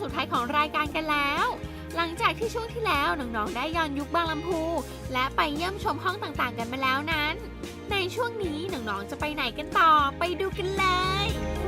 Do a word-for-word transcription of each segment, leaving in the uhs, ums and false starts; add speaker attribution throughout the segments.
Speaker 1: ดท้ายของรายการกันแล้ว หลังจากที่ช่วงที่แล้วน้องๆได้ย้อนยุคบางลำพูและไปเยี่ยมชมห้องต่างๆกันมาแล้วนั้นในช่วงนี้น้องๆจะไปไหนกันต่อไปดูกันเลย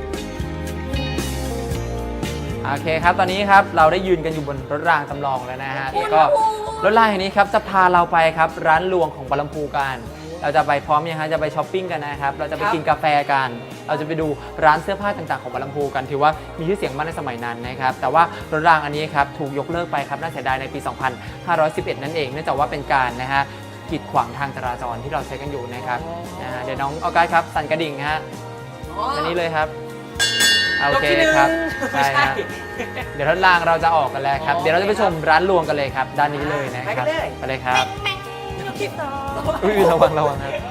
Speaker 2: โอเคครับตอนนี้ครับเราได้ยืนกันอยู่บนรถรางจำลองแล้วนะฮะแล้วก็รถรางแห่งนี้ครับจะพาเราไปครับร้านรวงของบางลำพูกันเราจะไปพร้อมยังฮะจะไปช้อปปิ้งกันนะครับเราจะไปกินกาแฟกันเราจะไปดูร้านเสื้อผ้าต่างๆของบางลำพูกันถือว่ามีชื่อเสียงมากในสมัยนั้นนะครับแต่ว่ารถรางอันนี้ครับถูกยกเลิกไปครับน่าเสียดายในปี สองพันห้าร้อยสิบเอ็ด นั่นเองเนื่องจากว่าเป็นการนะฮะกีดขวางทางจราจรที่เราใช้กันอยู่นะครับนะฮะเดี๋ยวน้องออกัสครับสั่นกระดิ่งฮะอันนี้เลยครับโอเคครับใช่ฮะเดี๋ยวรถรางเราจะออกกันแล้วครับเดี๋ยวเราจะไปชมร้านรวงกันเลยครับด้านนี้เลยนะครับไปเลยครับอุ้ยระวังระวังครับ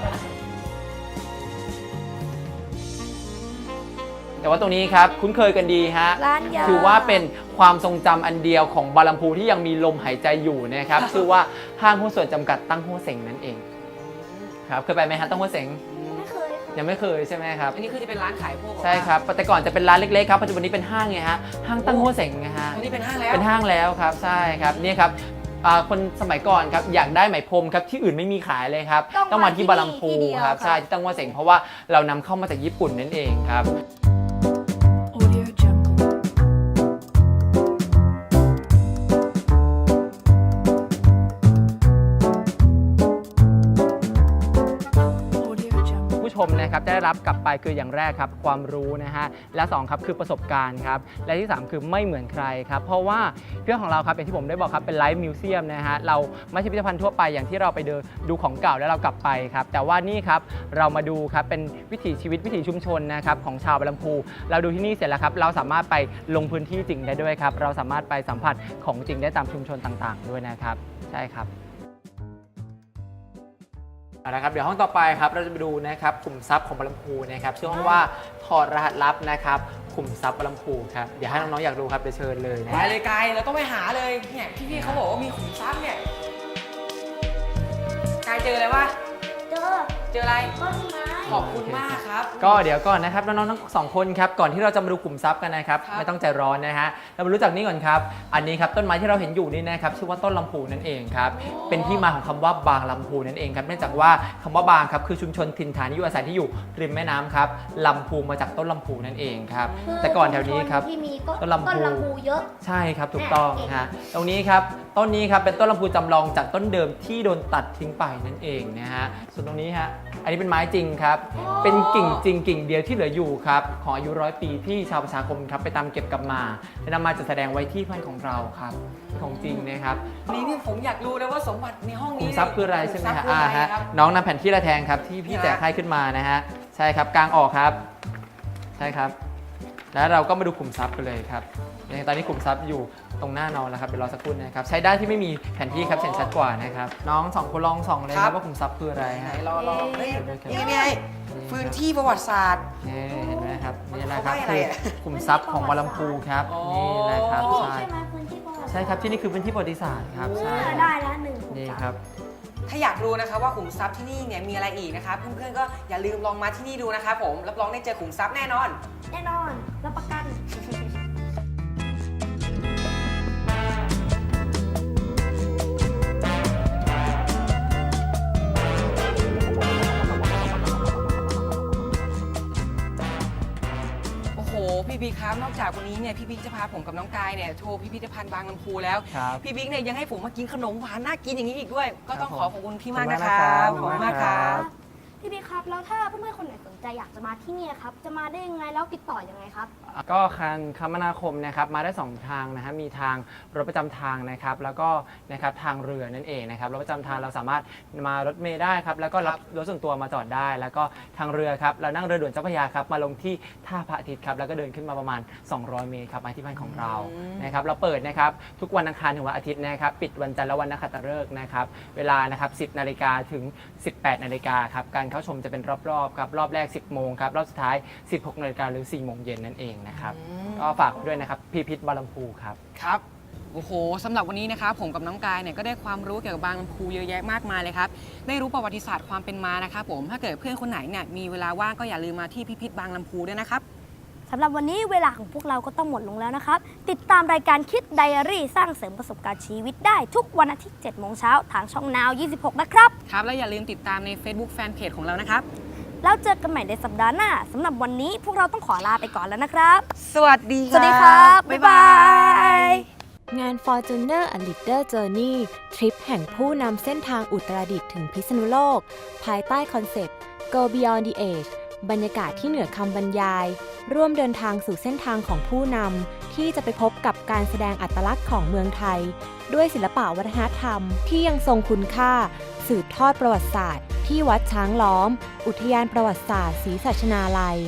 Speaker 2: แต่ว่าตรงนี้ครับคุ้นเคยกันดีฮะถือว่าเป็นความทรงจำอันเดียวของบางลำพูที่ยังมีลมหายใจอยู่นะครับชื่อว่าห้างหุ้นส่วนจำกัดตั้งหัวเส็งนั่นเองครับเคยไปไหมฮะตั้งหัวเส็ง
Speaker 3: ไม่เคย
Speaker 2: ยังไม่เคยใช่ไหมครับ
Speaker 4: อันนี้คือจะเป็นร้านขายพวก
Speaker 2: ใช่ครับแต่ก่อนจะเป็นร้านเล็กๆครับปัจจุบันนี้เป็นห้างไงฮะห้างตั้งหัวเส็งไงฮะ
Speaker 4: อันนี้เป็นห้างแล้ว
Speaker 2: เป็นห้างแล้วครับใช่ครับนี่ครับคนสมัยก่อนครับอยากได้ไหมพรมครับที่อื่นไม่มีขายเลยครับต้องมาที่บางลำพูครับใช่ที่ตั้งหัวเส็งเพราะว่าเรานำเข้ามาจากญี่ปุ่นนั่นเองครับชมนะครับจะได้รับกลับไปคืออย่างแรกครับความรู้นะฮะและสองครับคือประสบการณ์ครับและที่สามคือไม่เหมือนใครครับเพราะว่าเรื่องของเราครับอย่างที่ผมได้บอกครับเป็นไลฟ์มิวเซียมนะฮะเราไม่ใช่พิพิธภัณฑ์ทั่วไปอย่างที่เราไปเดินดูของเก่าแล้วเรากลับไปครับแต่ว่านี่ครับเรามาดูครับเป็นวิถีชีวิตวิถีชุมชนนะครับของชาวบางลำพูเราดูที่นี่เสร็จแล้วครับเราสามารถไปลงพื้นที่จริงได้ด้วยครับเราสามารถไปสัมผัสของจริงได้ตามชุมชนต่างๆด้วยนะครับใช่ครับนะครับเดี๋ยวห้องต่อไปครับเราจะไปดูนะครับขุมทรัพย์ของบางลำพูนะครับชื่อห้องว่าถอดรหัสลับนะครับขุมทรัพย์บางลำพูครับเดี๋ยวให้น้องๆอยากดูครับเดี๋ยวเชิญเลยนะ
Speaker 4: ไปเลยไกลเราต้องไปหาเลยเนี่ยพี่ๆเขาบอกว่ามีขุมทรัพย์เนี่ยไกลเจออะไรวะ
Speaker 3: เจอ
Speaker 4: เจออะไร
Speaker 3: ต้นไม้
Speaker 4: ขอบคุณมากครับ
Speaker 2: ก็เดี๋ยวก่อนนะครับน้องๆทั้งสองคนครับก่อนที่เราจะมาดูขุมทรัพย์กันนะครับไม่ต้องใจร้อนนะฮะเรามารู้จักนี่ก่อนครับอันนี้ครับต้นไม้ที่เราเห็นอยู่นี่นะครับชื่อว่าต้นลำพูนั่นเองครับเป็นที่มาของคำว่าบางลำพูนั่นเองครับเนื่องจากว่าคำว่าบางครับคือชุมชนถิ่นฐานที่อยู่อาศัยที่อยู่ริมแม่น้ำครับลำพูมาจากต้นลำพูนั่นเองครับแต่ก่อนแถวนี้ครับ
Speaker 3: ต้นลำพูเยอะ
Speaker 2: ใช่ครับถูกต้องฮะตรงนี้ครับต้นนี้ครับเป็นต้นลำพูจำลองจากต้นเดิมที่โดนตัดทิ้งไปนั่นเองนะฮะส่วนตรงนี้ฮะอันนี้เป็นไม้จริงครับเป็นกิ่งจริงกิ่งเดียวที่เหลืออยู่ครับของอายุร้อยปีที่ชาวประชาคมครับไปตามเก็บกลับมาและนำมาจัดแสดงไว้ที่พันของเราครับของจริงนะครับ
Speaker 4: นี่นี่ผมอยากรู้เลยว่าสมบัติในห้องนี้
Speaker 2: ขุมทรัพย์คืออะไรใช่ไหมฮะอ่าฮะน้องนำแผ่นที่ระแทงครับที่พี่แจกให้ขึ้นมานะฮะใช่ครับกลางออกครับใช่ครับแล้วเราก็มาดูขุมทรัพย์กันเลยครับตอนนี้ขุมทรัพย์อยู่ตรงหน้านอนแล้วครับเดี๋ยวรอสักครู่นะครับใช้ได้ที่ไม่มีแผนที่ครับเห็นชัดกว่านะครับน้องสองคนลองส่องเลยครับว่าขุมทรัพย์คืออะไร
Speaker 4: ไหน
Speaker 2: ฮะ
Speaker 4: รอรอนี่ไงพื้นที่ประวัติศาสตร์
Speaker 2: นี่เห็นไหมครับนี่แหละครับคือขุมทรัพย์ของบางลำพูครับนี่แหละครับใช่ใช่ครับที่นี่คือพื้นที่ประวัติศาสตร์ครับใช่
Speaker 3: ได้แล้วหนึ่ง
Speaker 2: นี่ครับ
Speaker 4: ถ้าอยากรู้นะครับว่าขุมทรัพย์ที่นี่เนี่ยมีอะไรอีกนะครับเพื่อนๆก็อย่าลืมลองมาที่นี่ดูนะครับผมรับรองได้เจอขุมทรัพย์แน่นอน
Speaker 3: แน่นอนรับประกัน
Speaker 4: พี่บิ๊กครับนอกจากวันนี้เนี่ยพี่บิ๊กจะพาผมกับน้องกายเนี่ยโชว์พิพิธภัณฑ์บางลำพูแล้วพี่บิ๊กเนี่ยยังให้ผมมากินขนมหวานน่ากินอย่างนี้อีกด้วยก็ต้องขอขอบคุณพี่มากนะครับขอบคุณมากครับ
Speaker 3: พี่บิ๊กครับแล้วถ้าเพื่อนๆคนไหนสนใจอยากจะมาที่นี่ครับจะมาได้ยังไงแล้วติดต่อยังไงครับ
Speaker 2: ก็การคมนาคมนะครับมาได้สองทางนะฮะมีทางรถประจำทางนะครับแล้วก็นะครับทางเรือนั่นเองนะครับรถประจำทางเราสามารถมารถเมล์ได้ครับแล้วก็รับรถส่วนตัวมาจอดได้แล้วก็ทางเรือครับเรานั่งเรือด่วนเจ้าพระยาครับมาลงที่ท่าพระอาทิตย์ครับแล้วก็เดินขึ้นมาประมาณสองร้อยเมตรครับมาที่บ้านของเรานะครับเราเปิดนะครับทุกวันอังคารถึงวันอาทิตย์นะครับปิดวันจันทร์และวันนักขัตฤกษ์นะครับเวลานะครับสิบนาฬิกาถึงสิบแปดนาฬิกาครับการเข้าชมจะเป็นรอบๆครับรอบแรกสิบโมงครับรอบสุดท้ายสิบหกนาฬิกาหรือสี่โมงเย็นนั่นเองนะครับก็ฝากด้วยนะครับพิพิธบางลำพูครับ
Speaker 4: ครับโอ้โหสำหรับวันนี้นะครับผมกับน้องกายเนี่ยก็ได้ความรู้เกี่ยวกับบางลำพูเยอะแยะมากมายเลยครับได้รู้ประวัติศาสตร์ความเป็นมานะครับผมถ้าเกิดเพื่อนคนไหนเนี่ยมีเวลาว่างก็อย่าลืมมาที่พิพิธบางลำพูด้วยนะครับ
Speaker 3: สำหรับวันนี้เวลาของพวกเราก็ต้องหมดลงแล้วนะครับติดตามรายการคิดไดอารี่สร้างเสริมประสบการณ์ชีวิตได้ทุกวันอาทิตย์เจ็ดโมงเช้าทางช่องนาวยี่สิบหกนะครับ
Speaker 4: ครับแล้วอย่าลืมติดตามใน Facebook Fanpage ของเรานะครับ
Speaker 3: แล้วเจอกันใหม่ในสัปดาห์หน้าสำหรับวันนี้พวกเราต้องขอลาไปก่อนแล้วนะครับ
Speaker 4: สวัสดี
Speaker 3: สวัสดีครับ บ๊ายบาย
Speaker 5: งาน Fortuner A Leader Journey ทริปแห่งผู้นำเส้นทางอุตรดิตถ์ถึงพิษณุโลก ภายใต้คอนเซปต์ Go Beyond the Age บรรยากาศที่เหนือคำบรรยาย ร่วมเดินทางสู่เส้นทางของผู้นำที่จะไปพบกับการแสดงอัตลักษณ์ของเมืองไทย ด้วยศิลปะวัฒนธรรมที่ยังทรงคุณค่า สืบทอดประวัติศาสตร์ที่วัดช้างล้อม อุทยานประวัติศาสตร์ศรีสัชนาลัย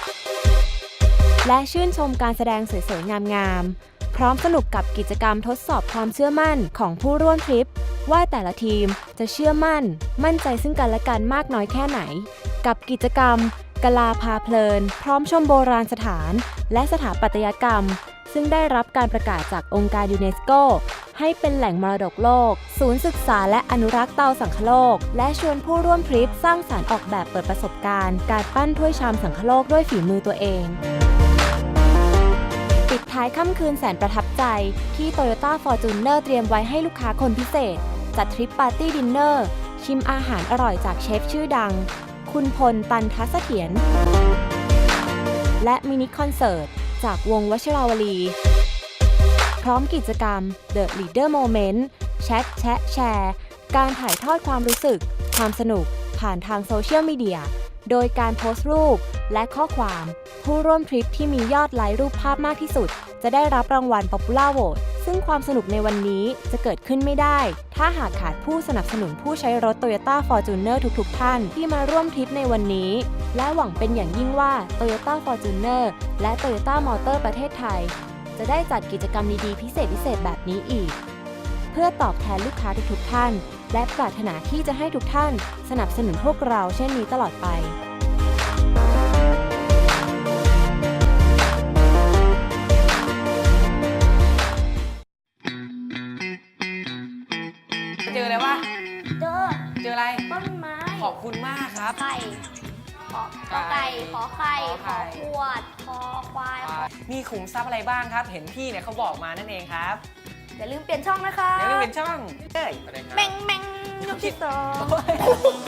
Speaker 5: และชื่นชมการแสดงสวยๆ งามๆ พร้อมสนุกกับกิจกรรมทดสอบความเชื่อมั่นของผู้ร่วมทริป ว่าแต่ละทีมจะเชื่อมั่น มั่นใจซึ่งกันและกันมากน้อยแค่ไหน กับกิจกรรมกลาพาเพลิน พร้อมชมโบราณสถาน และสถาปัตยกรรม ซึ่งได้รับการประกาศจากองค์การยูเนสโกให้เป็นแหล่งมรดกโลก ศูนย์ศึกษาและอนุรักษ์เตาสังคโลก และชวนผู้ร่วมทริปสร้างสรรค์ออกแบบเปิดประสบการณ์การปั้นถ้วยชามสังคโลกด้วยฝีมือตัวเองปิดท้ายค่ำคืนแสนประทับใจที่ Toyota Fortuner เตรียมไว้ให้ลูกค้าคนพิเศษ จัดทริปปาร์ตี้ดินเนอร์ชิมอาหารอร่อยจากเชฟชื่อดัง คุณพล ตันทัศเถียรและมินิคอนเสิร์ตจากวงวชิราวลี พร้อมกิจกรรม The Leader Moment แชทแชะแชร์การถ่ายทอดความรู้สึก ความสนุกผ่านทางโซเชียลมีเดียโดยการโพสต์รูปและข้อความผู้ร่วมทริปที่มียอดไลค์รูปภาพมากที่สุดจะได้รับรางวัล Popular Vote ซึ่งความสนุกในวันนี้จะเกิดขึ้นไม่ได้ถ้าหากขาดผู้สนับสนุนผู้ใช้รถ Toyota Fortuner ทุกๆท่านที่มาร่วมทริปในวันนี้และหวังเป็นอย่างยิ่งว่า Toyota Fortuner และ Toyota Motor ประเทศไทยจะได้จัดกิจกรรมดีๆพิเศษพิเศษแบบนี้อีกเพื่อตอบแทนลูกค้าทุกๆท่านและปรารถนาที่จะให้ทุกท่านสนับสนุนพวกเราเช่นนี้ตลอดไป
Speaker 4: เจอแล้ววะ
Speaker 3: เจอ
Speaker 4: เจออะไร
Speaker 3: ต้นไม้
Speaker 4: ขอบคุณมากครับ
Speaker 3: ไข่ขอขอไก่ขอไข่
Speaker 4: ขอ
Speaker 3: ข
Speaker 4: ไข่
Speaker 3: อขวดขอควายขอ
Speaker 4: มีขุมทรัพย์อะไรบ้างครับ เห็นพี่เนี่ยเขาบอกมานั่นเองครับ
Speaker 3: อย่าลืมเปลี่ยนช่องนะคะ
Speaker 4: เดี๋ยวเราเป็นช่องเอ้ย
Speaker 3: แมงแมงยกที่สอง